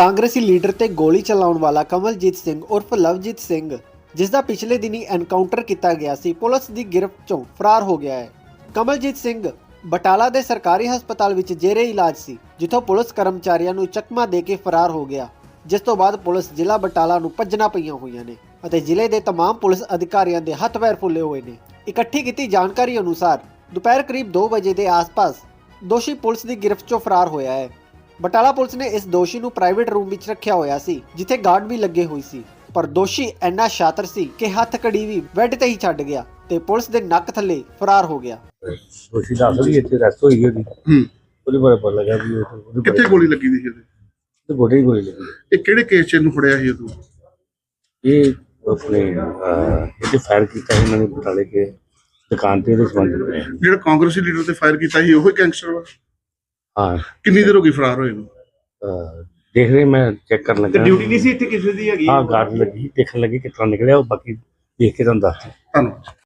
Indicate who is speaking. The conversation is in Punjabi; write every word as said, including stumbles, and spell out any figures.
Speaker 1: ਕਾਂਗਰਸੀ ਲੀਡਰ ਤੇ ਗੋਲੀ ਚਲਾਉਣ ਵਾਲਾ ਕਮਲਜੀਤ ਸਿੰਘ ਉਰਫ ਲਵਜੀਤ ਸਿੰਘ, ਜਿਸ ਦਾ ਪਿਛਲੇ ਦਿਨੀ ਐਨਕਾਊਂਟਰ ਕੀਤਾ ਗਿਆ ਸੀ, ਪੁਲਿਸ ਦੀ ਗਿਰਫਤ ਚੋਂ ਫਰਾਰ ਹੋ ਗਿਆ ਹੈ। ਕਮਲਜੀਤ ਸਿੰਘ ਬਟਾਲਾ ਦੇ ਸਰਕਾਰੀ ਹਸਪਤਾਲ ਵਿੱਚ ਜੇਰੇ ਇਲਾਜ ਸੀ, ਜਿੱਥੋਂ ਪੁਲਿਸ ਕਰਮਚਾਰੀਆਂ ਨੂੰ ਚਕਮਾ ਦੇ ਕੇ ਫਰਾਰ ਹੋ ਗਿਆ, ਜਿਸ ਤੋਂ ਬਾਅਦ ਪੁਲਿਸ ਜ਼ਿਲ੍ਹਾ ਬਟਾਲਾ ਨੂੰ ਭੱਜਣਾ ਪਈਆਂ ਹੋਈਆਂ ਨੇ ਅਤੇ ਜ਼ਿਲ੍ਹੇ ਦੇ तमाम ਪੁਲਿਸ ਅਧਿਕਾਰੀਆਂ ਦੇ ਹੱਥ ਪੈਰ ਫੁੱਲੇ ਹੋਏ ਨੇ। ਇਕੱਠੀ ਕੀਤੀ ਜਾਣਕਾਰੀ ਅਨੁਸਾਰ ਦੁਪਹਿਰ ਕਰੀਬ ਦੋ ਵਜੇ ਦੇ ਆਸ-ਪਾਸ ਦੋਸ਼ੀ ਪੁਲਿਸ ਦੀ ਗਿਰਫਤ ਚੋਂ ਫਰਾਰ ਹੋਇਆ ਹੈ। ਬਟਾਲਾ ਪੁਲਿਸ ਨੇ ਇਸ ਦੋਸ਼ੀ ਨੂੰ ਪ੍ਰਾਈਵੇਟ ਰੂਮ ਵਿੱਚ ਰੱਖਿਆ ਹੋਇਆ ਸੀ, ਜਿੱਥੇ ਗਾਰਡ ਵੀ ਲੱਗੇ ਹੋਏ ਸੀ, ਪਰ ਦੋਸ਼ੀ ਇੰਨਾ ਸ਼ਾਤਰ ਸੀ ਕਿ ਹੱਥ ਕੜੀ ਵੀ ਬੈੱਡ ਤੇ ਹੀ ਛੱਡ ਗਿਆ ਤੇ ਪੁਲਿਸ ਦੇ ਨੱਕ ਥੱਲੇ ਫਰਾਰ ਹੋ ਗਿਆ।
Speaker 2: ਦੋਸ਼ੀ ਦਾ ਅਸਲ ਹੀ ਇੱਥੇ ਰੈਸਟ ਹੋਈ ਉਹਦੀ
Speaker 3: ਹੂੰ
Speaker 2: ਉਹਦੇ ਬਾਰੇ ਪਤਾ ਲੱਗਾ ਵੀ ਉਹ
Speaker 3: ਕਿੱਥੇ ਗੋਲੀ ਲੱਗੀ ਸੀ ਇਹਦੇ
Speaker 2: ਤੇ ਗੋਡੇ ਹੀ ਗੋਲੀ ਲੱਗੀ।
Speaker 3: ਇਹ ਕਿਹੜੇ ਕੇਸ 'ਚ ਇਹਨੂੰ ਫੜਿਆ ਸੀ ਤੂੰ?
Speaker 2: ਇਹ ਆਪਣੇ ਇਹਦੇ ਫਾਇਰ ਕੀਤਾ ਸੀ ਇਹਨਾਂ ਨੇ ਬਟਾਲੇ ਕੇ ਦੁਕਾਨ ਤੇ ਇਹਦੇ ਸੰਬੰਧ ਵਿੱਚ।
Speaker 3: ਜਿਹੜਾ ਕਾਂਗਰਸੀ ਲੀਡਰ ਤੇ ਫਾਇਰ ਕੀਤਾ ਸੀ ਉਹੀ ਗੈਂਗਸਟਰ ਵਾ?
Speaker 2: ਹਾਂ।
Speaker 3: ਕਿੰਨੀ ਦੇਰ ਹੋ ਗਈ ਫਰਾਰ ਹੋਏ ਨੂੰ?
Speaker 2: ਅਹ ਦੇਖ ਰਹੇ ਮੈਂ ਚੈੱਕ ਕਰਨ ਲੱਗਾ।
Speaker 4: ਡਿਊਟੀ ਨਹੀਂ ਸੀ ਇੱਥੇ ਕਿਸੇ ਦੀ ਹੈਗੀ?
Speaker 2: ਹਾਂ ਗਾਰਡ ਲੱਗੀ, ਦੇਖਣ ਲੱਗੀ ਕਿਸ ਤਰ੍ਹਾਂ ਨਿਕਲਿਆ ਉਹ, ਬਾਕੀ ਦੇਖ ਕੇ ਤੁਹਾਨੂੰ ਦੱਸ ਦਿਆਂ।
Speaker 3: ਧੰਨਵਾਦ।